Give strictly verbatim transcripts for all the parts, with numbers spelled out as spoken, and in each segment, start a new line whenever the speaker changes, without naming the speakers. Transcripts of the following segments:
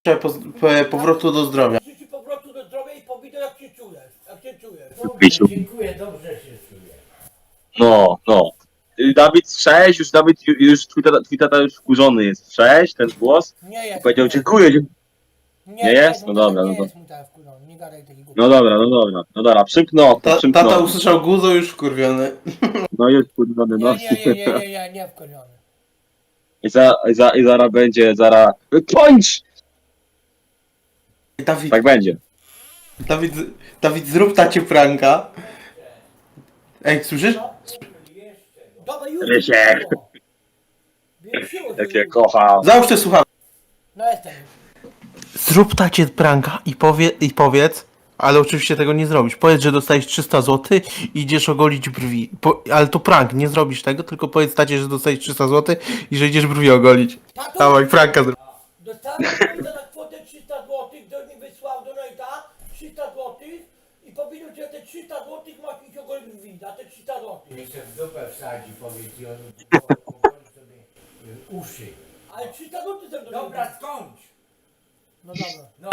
po, po, powrotu do zdrowia.
Życzę powrotu do zdrowia i powiedz jak się czujesz. Jak się czujesz.
Pisiu.
Dobrze, dziękuję, dobrze się czuję.
No, no. Y, Dawid, cześć, już Dawid, ju- już twój tata, twój tata już wkurzony jest. Cześć, ten głos.
Nie jest.
Powiedział
nie,
dziękuję. dzie-
nie,
nie jest? No
mój tata
dobra,
nie
no to-
jest mój tata wkurzony, nie gadaj takich głupot.
No dobra, no dobra, no dobra, przymknął,
Ta,
przymknął.
tata usłyszał guzo, już wkurwiony.
No jest wkurzony, no.
Nie, nie, nie, nie, nie, nie, nie wkurzony.
I, za, i, za, I zara będzie, zara... Kończ!
Dawid,
Tak będzie.
Dawid, Dawid, zrób tacie pranka. Ej, słyszysz?
Dobra, już.
Rysiek.
Wysiło
Jak
się
ja
już.
kocham.
Załóż te słuchawki.
No jestem.
Zrób tacie pranka i, powie, i powiedz, ale oczywiście tego nie zrobisz. Powiedz, że dostajesz trzysta złotych i idziesz ogolić brwi. Po, ale to prank, nie zrobisz tego, tylko powiedz tacie, że dostajesz trzysta złotych i że idziesz brwi ogolić.
Tato,
Dawaj, pranka zrób.
dostałem pieniądze na kwotę trzysta złotych, do mnie wysłał do Nojta trzysta złotych i powiedział, że te trzysta złotych masz iść ogolić brwi, za te trzysta złotych.
Niech się w dupę wsadzi, powiedz i on powoli sobie y, uszy.
Ale trzysta złotych są do
Dobra,
Nojta.
skończ!
No dobra.
No.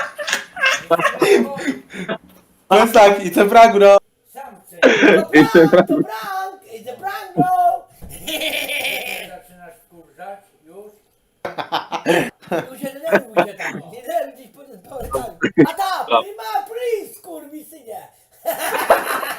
To jest tak, i ten prank, no.
Sam chcę.
To prank, to prank, it's a prank, bro!
Zaczynasz wkurzać już?
Już się denerwuj się tam, nie denerwuj gdzieś po po- A ta, prima, please, kurwisynie!